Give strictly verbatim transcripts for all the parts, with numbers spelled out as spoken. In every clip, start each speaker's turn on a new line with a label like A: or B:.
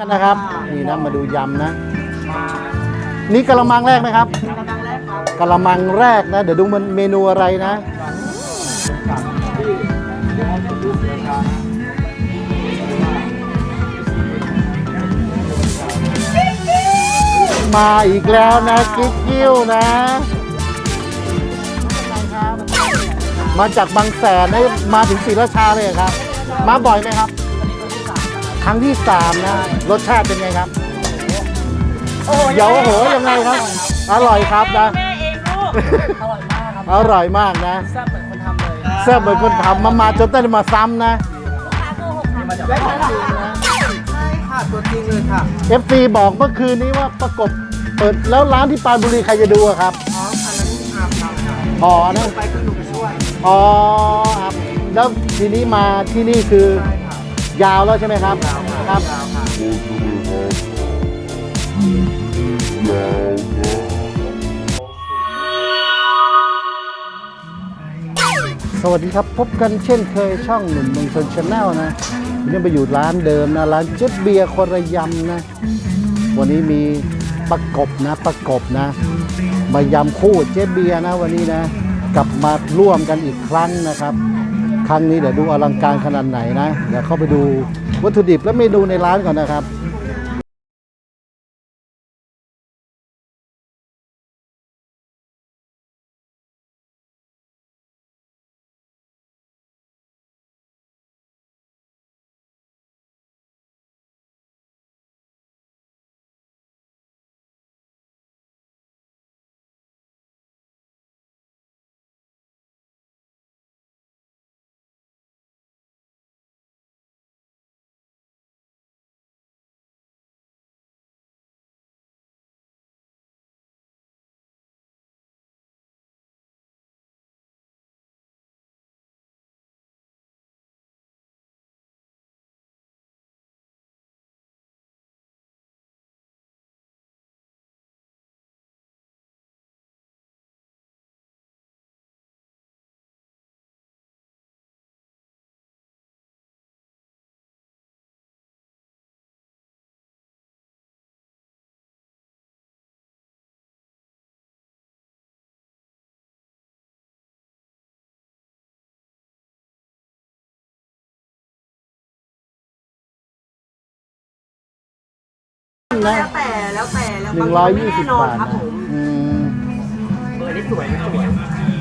A: กันนะครับนี่นะมาดูยำนะนี่กะละมังแรกไหมครับกะละมังแรกนะเดี๋ยวดูมันเมนูอะไรนะมาอีกแล้วนะกิ๊กกิ้วนะมาจากบางแสนนะมาถึงศรีราชาเลยครับมาบ่อยไหมครับครั้งที่สามนะรสชาติเป็นไงครับเดี๋ยวโหยังไงครับอร่อยครับนะอร่อยมากนะแซ่บเหมือนคนทำเลยแซ่บเหมือนคนทำมามาจนต้องมาซ้ำนะ
B: ใช่ค่ะตัวจริงเลยค่ะ
A: เอฟ ซี บอกเมื่อคืนนี้ว่าประกบเปิดแล้วร้านที่ปรานบุรีใครจะดูอะครับ
B: อ๋ออันนั้นอาบน้ำค่ะ
A: อ๋อนะ
B: ไปคือหนูไปช่วย
A: อ๋อครับแล้วทีนี้มาที่นี่คือยาวแล้วใช่ไหมครับครับสวัสดีครับพบกันเช่นเคยช่องหนุ่มเมืองชนชาแนลนะวันนี้ไปอยู่ร้านเดิมนะร้านเจ๊เบียร์คนระยำนะวันนี้มีประกบนะประกบนะมายำคู่เจ๊เบียร์นะวันนี้นะกลับมาร่วมกันอีกครั้งนะครับครั้งนี้เดี๋ยวดูอลังการขนาดไหนนะเดี๋ยวเข้าไปดูวัตถุดิบและเมนูในร้านก่อนนะครับ
B: แล้วแต่แล้วแต่แล้ว
A: หนึ่งร้อยยี่สิบบาทนะอืม
B: เบอร์นี้สวยสวย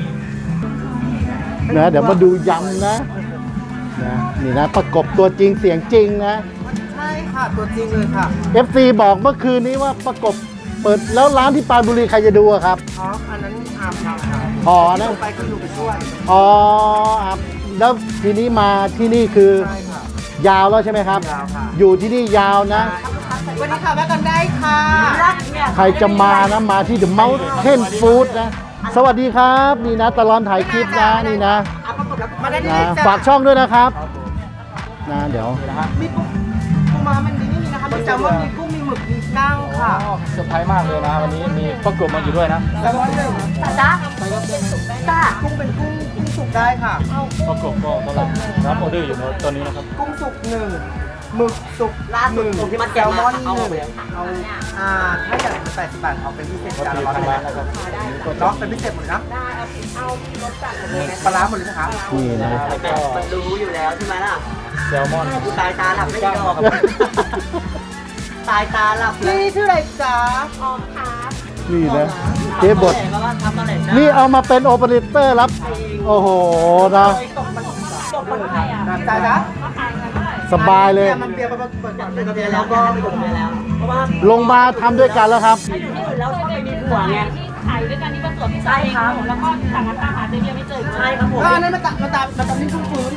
A: นะเดี๋ยวมาดูยำนะนะนี่นะประกบตัวจริงเสียงจริงนะ
B: ใช่ค่ะตัวจริงเลยค่ะ
A: เอฟ ซี บอกเมื่อคืนนี้ว่าประกบเปิดแล้วร้านที่ปรานบุรีใครจะดูอะครับ
B: อ๋ออันนั้นอาบน้ำค่ะ
A: อ๋อนะ
B: ไปคือหนูไปช่วย
A: อ๋อครับแล้วทีนี้มาที่นี่คือยาวแล้วใช่ไหมครับ
B: ยาวค่ะ
A: อยู่ที่นี่ยาวนะ
B: วันนี้ค่ะแวะกันได้ค่ะ
A: ใครจะมานะมาที่ The Mountain Food นะสวัสดีครับนี่นะตลอดถ่ายคลิปนะนี่นะฝากช่องด้วยนะครับนะเดี๋ยว
B: มีกุ้งปูม้ามันนี่มีนะคะมีแซลมอนมีกุ้งมีหมึกมีกั้งค่ะ
C: เซอร์ไพรส์มากเลยนะวันนี้มีประกบมาอยู่ด้วยนะ
B: แซลมอนหนึ่งจ้าจ้ากุ้งเป็นกุ้งกุ้งสุกได้ค่ะ
C: ประกบก็กำลังรับออเดอร์อยู่ตอนนี้นะครับ
B: กุ้งสุกหนึ่งหมึกสุกหนึ่งแซลมอนหนึ่งเอาอ่าถ้าอยากเป็นแปดสิบบาทเอาเป็นพิเศษจานละร้อยบาทนะครับเนาะเป็นพิเศษหมดนะได้เอารสจัดเลยปลาร้าหมดเลยนะคะ
A: นี่นะ
B: มันรู้อยู่แล้วใช่ไหมล่ะ
C: แซลมอน
B: ตายตาหลับไม่ยอมตายตาหลับนี่ชื่ออะไรจ๊ะออมครับ
A: นี่นะเจ๊บดนี่เอามาเป็นโอเปอเรเตอร์รับโอ้โหนะ
B: ตกมันใครอ่ะจ้าจ๊ะ
A: สบายเลย
B: มันเบียร์มาเปิดก่อนเป็นกระเบียร์แล้วก็ลงมาแล้วเพราะว่า
A: ลงมาทำด้วยกันแล้วครับ
B: แล้วใช่ไหมมีผัวไง
D: ที่ขายด้วยกันที่ประจวบที่ใช่ครับแล้วก็ต่างกันตามหาเจเบียไม่เจอ
B: ใช่ครับผมก็นั่นมาตามมาตามมาตามที่ฟื้นฟื้น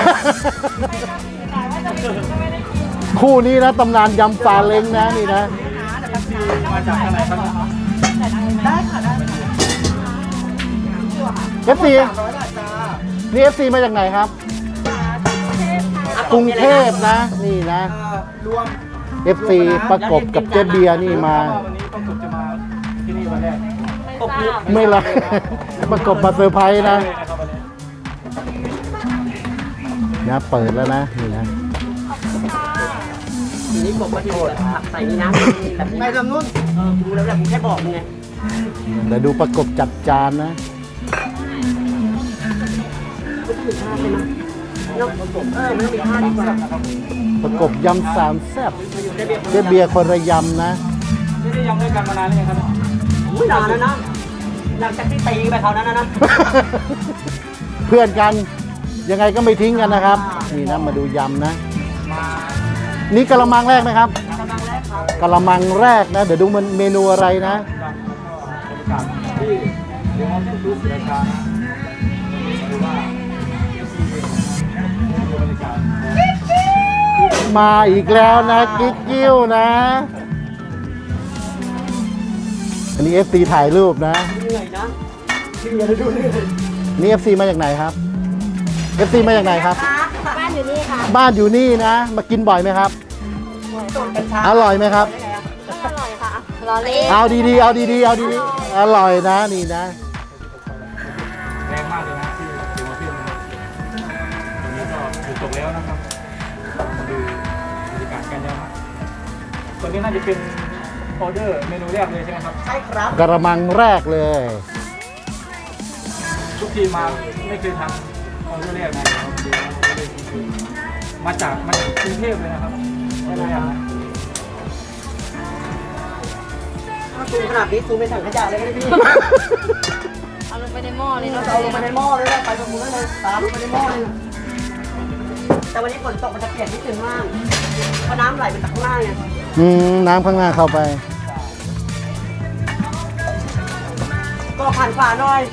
A: คู่นี้นะตำนานยำซาเล้งนะนี่นะ
C: มาจากอะไรครับ
B: ได้ค่ะได้
A: เอฟซีนี่เอฟซีมาจากไหนครับกรุงเทพนะนี่นะ
B: รวม
A: เอฟ ซี ประกบกับเจ๊เบียร์นี่มา
C: วันนี้ประกบจะมาที่นี่วันแรก
A: ไม่ละประกบมาเซอร์ไพรส์นะนะเปิดแล้วนะนี่นะ
E: นี่กบก็จะแบบผักใส่นี่นะแบบนี้
B: ไปทำนู่น
E: เออกูรู้แล้วแหละกูแค่บอกมึงไง
A: เดี๋ยวดูประกบจัดจานนะ
E: ไม่ต้องมีท่าใช่ไหมเนาะเออไม่ต้องมีท่าดีกว่า
A: ประกบยำสามแซ่บ
E: ได้เบียร์
A: เจ๊เบียร์คนระยำนะ
C: นี่ได้ยำด้วยกันมานานหรือยังครับ
E: ไม่นานแล้วนะหลังจากที่ตีไปเขานั้นนะนะ
A: เพื่อนกันยังไงก็ไม่ทิ้งกันนะครับ นี่นะมาดูยำนะ นี่กะละมังแรกไหมครับ
E: กำลังแรกครับ
A: กะละมังแรกนะ เดี๋ยวดูมันเมนูอะไรนะ
C: บรรยากาศที่เดี๋ยวเราต้องดูศิลปะนะดูว่าดูบรรยากาศ
A: มาอีกแล้วนะกิ๊กกิ้วนะ อันนี้ เอฟ ซี ถ่ายรูปนะ
E: เหนื่อยนะเหนื่อยดูเหนื่อย
A: นี่ เอฟ ซี มาจากไหนครับ เอฟ ซี มาจากไหนครับ
D: บ้านอยู่นี่ค่ะ
A: บ้านอยู่นี่นะ มากินบ่อยไหมครับ อร่อยไหมครับ
D: ก็อร่อยค่ะรอเล่น
A: เอาดีๆ เอาดีๆ เอาดีๆ อร่อยนะนี่นะ
C: แรงมากเลยนะที่ถือว่าขึ้นนะครับตรงนี้ก็อยู่ตกแล้วนะครับมาดูบรรยากาศกันยำตัวนี้น่าจะเป็นออเดอร์เมนูแรกเลยใช่ไหมครับ
E: ใช่ครับ
A: กระมังแรกเลย
C: ทุกทีมมาไม่เคยทำออเดอร์แรกนะมาจากมาจากกรุงเทพเลยนะครับออเดอร์แรกนะ
E: ถ้าซูมขนาดนี้ซูมไปถังขยะเลยก็ได้พี่
D: เอาลงไปในหม้อเลย
E: เรา
D: เนาะ
E: จะเอาลงไปในหม้อเลยนะไปตรงนู้นเลยตามลงไปในหม้อเลยแต่วันนี้ฝนตกมันจะเปียกนิดนึงมากเพราะน้ำไหลไปจากข้างล่างไง
A: อืมน้ำข้างหน้าเข้าไป
E: ก็ผ่านฝาหน่อย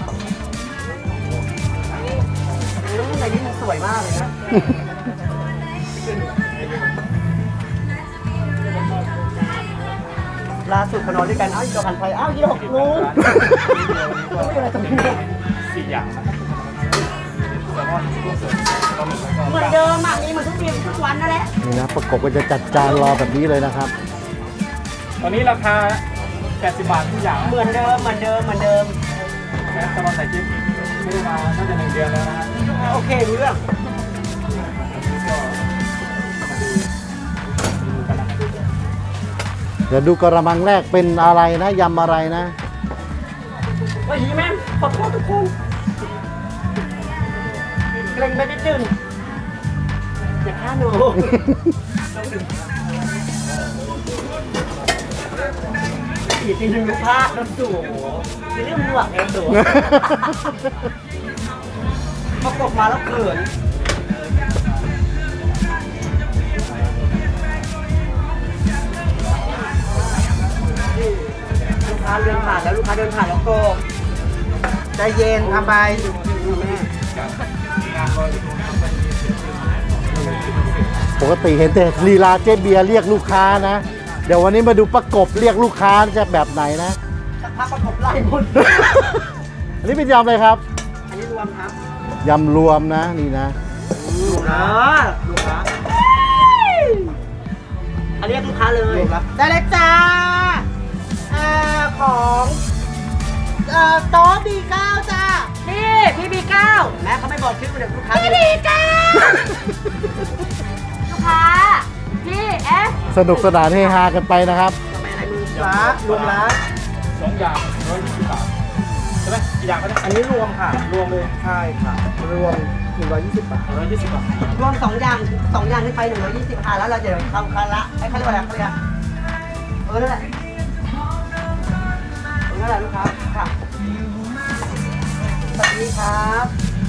E: อืมในนี้มันสวยมากเลยนะล่าสุดเขานอนด้วยกัน เอ้ายี่ดอกหันไปเอ้ายี่ดอกงูไม่เป็นไรตรงนี้
C: สี่อย่างนะครับแซลมอนกุ้งสดปลาหมึกแล้วก็
E: เหมือนเดิมอ่ะมีเหมือนทุกปีทุกวันนั่นแหละ
A: นี่นะประกบก็จะจัดจานรอแบบนี้เลยนะครับ
C: ตอนนี้ราคาแปดสิบบาททุกอย่าง
E: เหมือนเดิมเหมือนเดิมเหมือนเดิม
C: แม้แซลมอนใส่จิ๊บไม่ได้มาน่าจะหนึ่งเดือนแล้วนะฮะ
E: โอเครู้เรื่อง
C: ก็มาดูดูกันนะครับ
A: เดี๋ยวดูกระมังแรกเป็นอะไรนะยำอะไรนะ
E: ว่าหีแม่ขอโทษทุกคนเกรงไปนิดนึงอย่าฆ่าหนูอีกทีหนึงพลาดแล้วสูจะเรื่องหลวกเองสูพอกบมาแล้วเขินลูกค้าเดินผ่านแล้วลูกค้าเดินผ่านแล้วโกบ
B: ใจเย็นทำไป
A: ปกติเห็นแต่ลีลาเจ๊เบียร์เรียกลูกค้านะ เดี๋ยววันนี้มาดูประกบเรียกลูกค้าจะแบบไหนนะ
E: สักพักประกบไล่หมด
A: อันนี้เป็นยำอะไรครับ
E: อันนี้รวมครับ
A: ยำรวมนะนี่นะ
E: ลูกค้าลูกค้าอันนี้ลูกค้าเลย
B: ได้เลยจ้าเอ่อของเอ่อโต๊ะดีเก้าจ้า
E: นี่พี่บีเก้าแม่เขาไม่บอกชื่อเลยลูกค้า
D: พี่ดีจ้าลูกค้าพี่เอฟ
A: สนุกสนานเฮฮากันไปนะครับ
E: ทำไมอะไรมือ
B: รักรวมรัก
C: สองอย่างร้อยยี่สิบบาทใช่ไหมกี่อย่างก็ได้
B: อันนี้รวมค่ะ
C: รวมเลย
B: ใช่ค่ะ รวมหนึ่งร้อยยี่สิบบาท
C: ร้อยยี่สิบบาท
E: รวมสองอย่างสองอย่างขึ้นไปหนึ่งร้อยยี่สิบค่ะแล้วเราจะทำคันละไอ้เขาเรียกว่าอะไรเขาเรียกเออนั่นแหละนั่นแหละลูกค้าค่ะสวัสดีครับ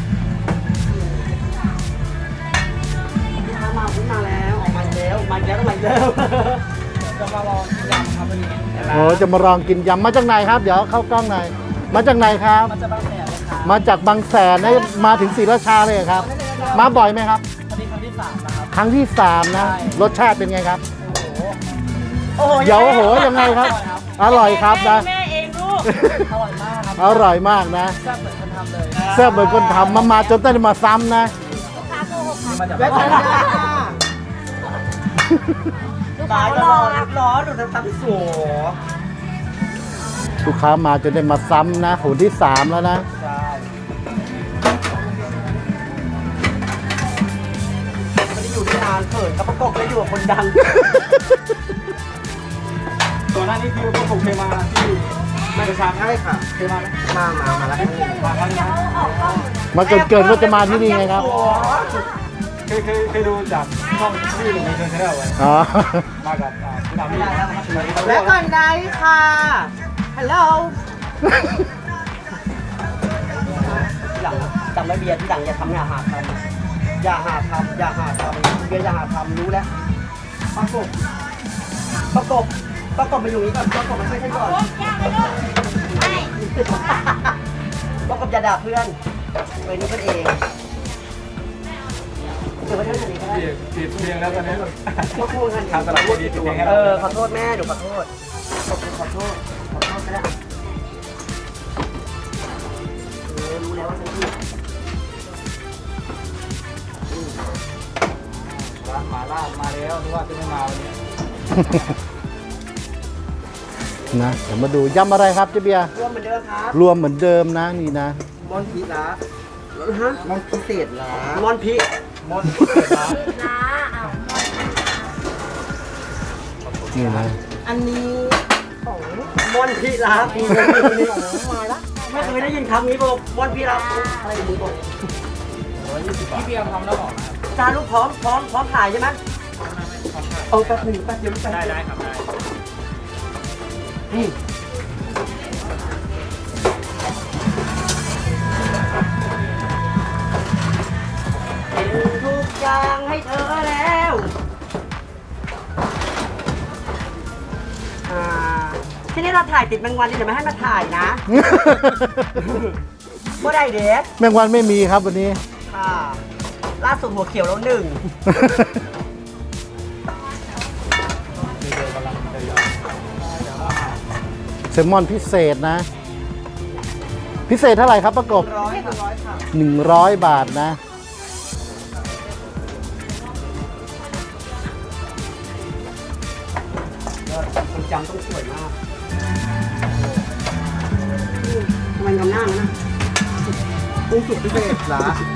E: ลูกค้ามาขึ้นมาแล้วออกมาอีกแล้วมาอีกแล้วต้องมาอีกแล้ว
B: จะมาลองกินยำครับวันนี้
A: โอ้จะมาลองกินยำมาจากไหนครับ เดี๋ยวเข้ากล้องหน่อยมาจากไหนครับ
B: มันจะบางแสนเลยค่ะ
A: มาจากบางแสนนะมาถึงศรีราชาเลยเหรอครับ มาบ่อยไหมครับ
B: วันนี้ครั้งที่สามนะครับ
A: ครั้งที่สามนะ
B: ใช่
A: รสชาติเป็นไงครับ
B: โอ้โห
E: โอ้โห
A: เดี๋ยวโอ้โหยังไงครับ อร่อยครับนะ
E: แม่เองลูก
B: อร่อยมากครับ
A: อร่อยมากนะ
B: แซ่บเหมือนคนทำเลย
A: แซ่บเหมือนคนทำมามาจนต้องมาซ้ำนะ
D: ลูกค้าโกหกค่ะ
C: มาจาก
B: และจ้า
D: ลูก
E: ตา
D: ค้าย ร
E: ร
D: อ
E: อ
D: ครับ
E: รอดูทำสวย
A: ลูกค้ามาจนได้มาซ้ำนะหุ่นที่สามแล้วนะ
B: ใช่
E: ไม่ได้อยู่ที่นานเขิขินกับประกบเลยอยู่กับคนดัง
C: ก่อนหน้านี้คือพวกผมเคยมาที่ไม่ประชา
B: ใช่ค่ะ
C: เคยมาไหม
B: มามามาแล้ว
C: มาครั้งนึงนะ
A: มาเกิดเกิดว่าจะมาที่นี่ไงครับ
C: เคยเคยเคยดูจากช่องที่หนุ่มในเชิงชาแนลไว้
A: อ๋อ
C: มากับอ่าคุณอามี่
B: แล้วก่อนไหนค่ะฮัลโหล
E: ที่หลังจำไว้เบียร์ที่หลังอย่าทำอย่าหาทำอย่าหาทำอย่าหาทำเบียร์อย่าหาทำรู้แล้วประกบประกบประกบมาอยู่นี้ก่อนประกบมาช่วยฉันก่อนประกบอย่าด่าเพื่อนเว้ยนี่เพื่อนเองเดี๋ยวไปเท่านี้ก็ได้
C: เปลี่ยนเปลี่ยนเพลงแล้วตอนนี้
E: ขอโทษกัน
C: ทางตลาดดีเปลี่ยนเพลงให้
E: เอ
C: เรา
E: อขอโทษแม่หนูขอโทษขอโทษขอโทษขอโทษก็ได้เออรู้แล้วว่าฉันผิด
C: ร้านหมาล่ามาแล้วนึกว่าจะไม่มาวันนี้
A: นะเดี๋ยวมาดูยำอะไรครับเจ๊เบียร์
E: รวมเหมือนเดิมครับ
A: รวมเหมือนเดิมนะนี่นะ
B: มอนพิละ
E: ฮะ
B: มอนพิเศษละ
E: มอนพิ
C: มอนเปิดร้าน
D: นะอ้าว
A: นี่นะ
B: อันนี้ของ
E: มอนพิลาปีนี้มาละไม่เคยได้ยินคำนี้บอกมอนพิลาอะไรมึงบอก
C: พี่เบียร์ทำแล้วบอกนะ
E: จานลูกพร้อมพร้อมพร้อมถ่ายใช่ไหมเอาแป๊บหนึ่งแป๊บเดียวแป๊บ
C: ได้
E: เดียว
C: ได้ครับได้
E: นี่เป็นทุกอย่างให้เธอแล้วอ่าทีนี้เราถ่ายติดแมงวันนี่เดี๋ยวไม่ให้มาถ่ายนะเมื่อไรเด็ก
A: แมงวันไม่มีครับวันนี้
E: ค่ะล่าสุดหัวเขียวแล้วหนึ่ง
C: มีเดียวกำลังจะยอม
A: แซลมอนพิเศษนะ พิเศษเท่าไหร่ครับประกบ
E: ร้อยค่ะร้อยค่ะ
A: หนึ่งร้อยบาทนะ
E: คนจำต้องสวยมากทำไมทำหน้างั้นนะ
B: กุ้งสุกพิเศษละ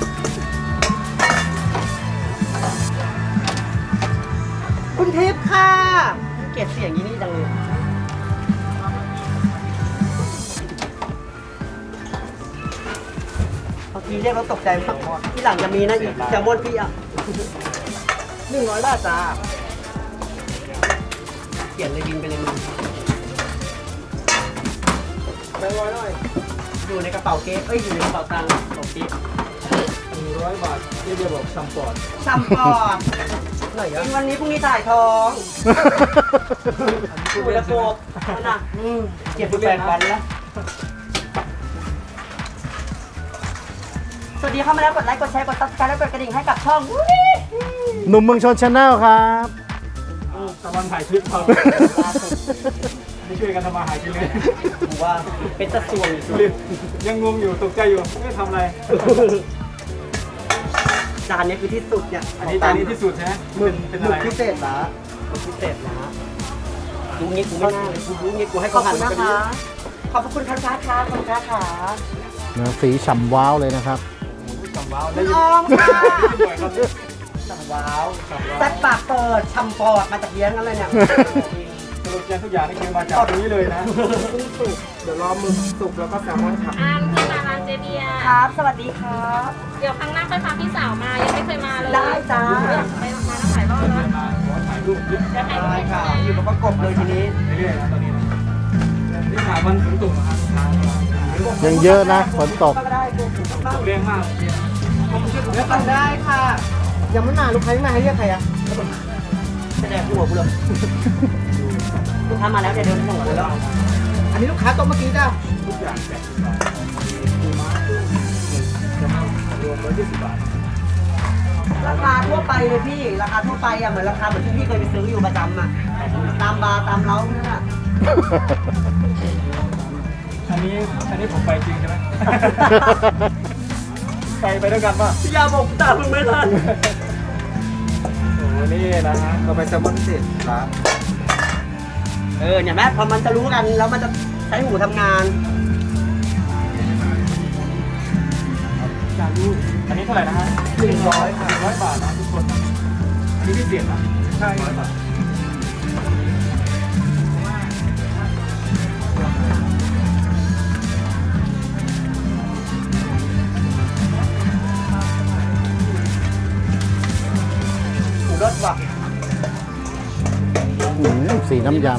E: คุณทิพย์ค่ะเกลียดเสียงยี่นี่จังเลยบางทีเรียกเราตกใจมากที่หลังจะมีนะอีกแซลมอนพี่อ่ะ
B: หนึ่งร้อยบาทจ้า
E: เปลี่ยนเลยบินไปเลยมึง
B: แบงค์ร้อยหน่อย
E: อยู่ในกระเป๋าเก๊เอ้ยอยู่ในกระเป๋าตังค์ของติ๊ก
C: หนึ่งร้อยบาทพี่เบียร์บอกซัมปอร์ต
E: ซัมปอร์ตหน่อยกินวันนี้พรุ่งนี้ถ่ายทองคุยละโกบนั่นน่ะอืมเจ็บแปดวันแล้ว สวัสดีเข้ามาแล้วกดไลค์กดแชร์กดซับสไครต์และกดกระดิ่งให้กับช่อง
A: หนุ่มเมืองชนชาแนลครับ
C: ตะวันถ่ายคลิปเขาไม่ช่วยกันทำมาหากินเลย
E: ผมว่าเป็นตะสวงอยู่สุด
C: ยังงงอยู่ตกใจอยู่ไม่ทำอะไร
E: จานนี้คือที่สุดเนี่ย
C: อันนี้จานนี้ที่สุดใช่ไหม
B: หมึก
C: เป็น
B: ห
C: อะ
B: มึ
C: ไร
B: กพิเศษละ
E: มันพิเศษนะดูงี้กูไม่น่าเลยกูดูงี้กูให้
B: ขอ
E: เขา
B: บ
E: หัน
B: คุณ
E: มา
B: นะ
E: กัน
B: คะ
E: ขอบคุณครับครับครับขอบคุณครับขา
A: นะสีฉ่ำว้าวเลยนะครับ
C: สัมว้าว
E: คุ
C: ได้
E: ณ
C: ยิ
E: อน อมค่ะ
C: บ่อยครับเนี่ย
E: สั่งว้าว
C: สัมว้าว
E: แซ่บปากเปิดชัมปอดมาจากเลี้ยงกันเลยเนี่ย
C: สรุปยังทุกอย่างนี่คือมาจากตรงนี้เลยนะ
B: กุ้งสุกเดี๋ยวรอหมึกสุกแล้วก็แซลมอนค่ะ
D: อามเคยมาร้านเจเบียร์
E: ครับ สวัสดีครับ
D: เดี๋ยวครั้งหน้าค่อยพาพี่สาวมายังไม่เคยมาเลย
E: ได้จ้า
D: ไปมาตั้งหลายรอบแล้ว
C: มาขอถ่ายรูปเยอะ
D: จะให้ดู
E: ได้ค่ะ อยู่กับประกบเลยทีนี้
C: เรื่อยๆนะตอนนี้นะนี่ถามมันฝนตกนะครับ
A: ยังเยอะนะฝนตก
E: ก็ได้กูถูกบ้าง
C: ตกแรงมากเนี่ย
B: เลือกกันได้ค่ะ ยังไม่มาลูกค้าไม่มาให้เรียกใครอะ
E: แสดงหัวกูเลยลูกค้ามาแล้วเดี๋ยวเดินหัวเลยแล้ว
B: อันนี้ลูกค้าโต๊ะเมื่อกี้จ้า
C: ทุกอย่างแปดสิบบาทปูม้ากุ้งหมึกจะมารวมร้อยยี่สิบบาท
E: ราคาทั่วไปเลยพี่ ราคาทั่วไปอะเหมือนราคาเหมือนที่พี่เคยไปซื้ออยู่ประจำอะตามบาร์ตามเล้าเนี่ย
C: อันนี้อันนี้ผมไปจริงใช่ไหม ไปไปด้วยกันป่ะ
E: อย่าบอกตามมึงไม่ทัน
C: โอ้โหนี่นะฮะ
B: เราไปแซลมอนพิเศษละ
E: เออเนี่ยแม่พอมันจะรู้กันแล้วมันจะใช้หูทำงาน
C: จานรูปอันนี้เท่าไหร่นะฮะหนึ่งร้อยหนึ่งร้อยบาทนะทุกคนนะมีพิเศษนะ
B: ใช่
C: ร้อยบาท
E: หมูรสว่ะ
A: อืมสีน้ำย
C: แซ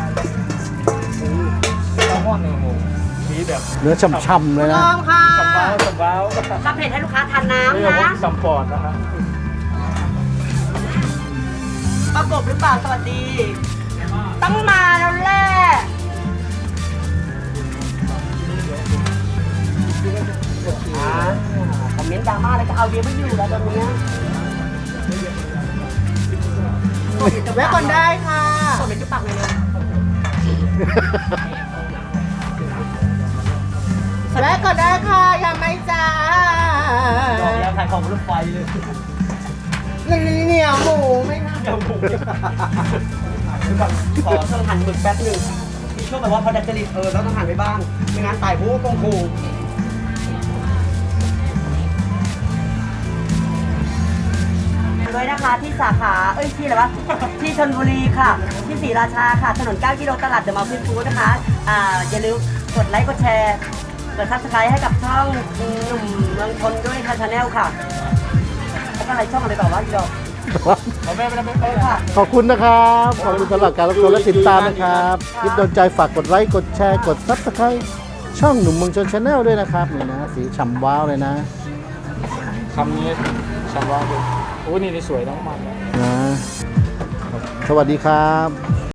C: ลมอนเนี่ยโอ้โหมีแบบ
A: ำเนื้อช่ำๆเลยนะ
B: พร้อมค่ะ
C: สัมบ้าวสัมบ้าว
D: รับเผ็ดให้ลูกค้าทาน
C: นี่
D: น้ำ
C: เรา
D: นะ
C: สัมปอดนะฮะ
E: ประกบหรือเปล่าสวัสดี
D: ต้องมาแล้วแหละ
E: อ่าคอมเมนต์ดราม่าแล้วก็เอาเดียวไม่อยู่แล้วตอนนี้
B: แวะก่อนได้ค่ะ
E: ส่งเป็นจุดปักเลยเลย
B: แวะก่อนได้ค่ะยังไม่จ้า
E: ดอกแล้วขายของรถไฟเลย
B: เหนียวหมูไหมคะ
E: เดี๋ยวหมูขอต้องหั่นหมึกแป๊บหนึ่งมีช่วงแบบว่าพอดัดจริตเออเราต้องหั่นไปบ้างไม่งั้นตายหูกงคู
D: ด้วยนะคะที่สาขา เอ้ยที่อะไรวะ ที่ชลบุรีค่ะ ที่ศรีราชาค่ะ ถนนเก้ากิโลตลาดเดอะมอลล์ฟินฟู้ดนะคะ อ่า อย่าลืมกดไลค์ กดแชร์ กดซับสไครต์ให้กับช่องหนุ่มเมืองชนด้วยค่ะชาแนลค่ะ แล้วก็อะไรช่องอะไรต่อวะอีดอก
C: เอาแม่ไม่ได้ไม่
D: เอ
C: ไป
D: อค่ะ
A: ขอบคุณนะครับ ขอบคุณสำหรับการรับชมและติดตามนะครับคลิปโดนใจฝากกดไลค์ กดแชร์ กดซับสไครต์ช่องหนุ่มเมืองชนชาแนลด้วยนะครับนี่นะ สีฉ่ำว้าวเลยนะ
C: คำนี้สัมบ้าวดูโอ้นี่นี่สวยน้องมันนะ
A: นะ สวัสดีครับ